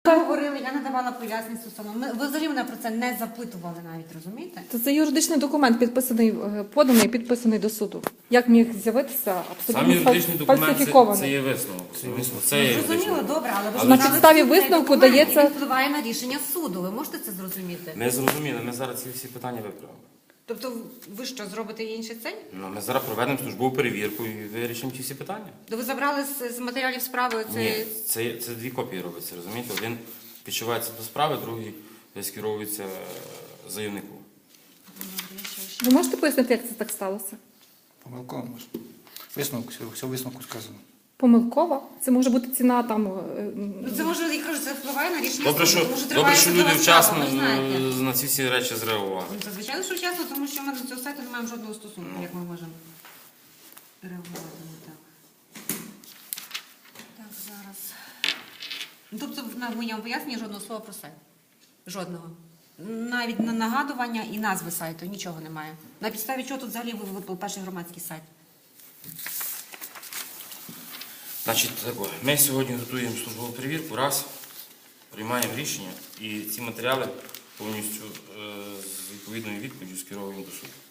Говорили, я надавала пояснення стосовно. Ви взагалі мене про це не запитували навіть, розумієте? То це юридичний документ, підписаний, поданий, підписаний до суду. Як міг з'явитися Сам абсолютно юридичний документ фальсифікований? це є висновок. Це є Зрозуміло, юридичний. добре, але ви ж На сказали, підставі що цей висновку документ, дається- він впливає на рішення суду. Ви можете це зрозуміти? Ми зрозуміли, ми зараз ці всі питання виправимо. Тобто ви що, зробите інший цей? Ну, ми зараз проведемо службову перевірку і вирішимо ці всі питання. То ви забрали з матеріалів справи Ні, цей... це дві копії робиться, розумієте? Один підшивається до справи, другий скеровується заявнику. Ви можете пояснити, як це так сталося? Помилково може. Висновок, все в висновку сказано. Помилково? Це може бути ціна там... Ну, це може, я кажу, це впливає на рішення Добре, суду, що, тому що добре, триває що судова люди справа, вчасно ви знаєте. на ці всі речі зреагували. Ну, це звичайно, що вчасно, тому що ми до цього сайту не маємо жодного стосунку, як ми можемо реагувати на так. Так, зараз. Ну, тобто, в моєму поясненні жодного слова про сайт. Жодного. Навіть на нагадування і назви сайту нічого немає. На підставі чого тут взагалі виплив перший громадський сайт? Значить, ми сьогодні готуємо службову перевірку, раз, приймаємо рішення і ці матеріали повністю з відповідною відповіддю скеровуємо до суду.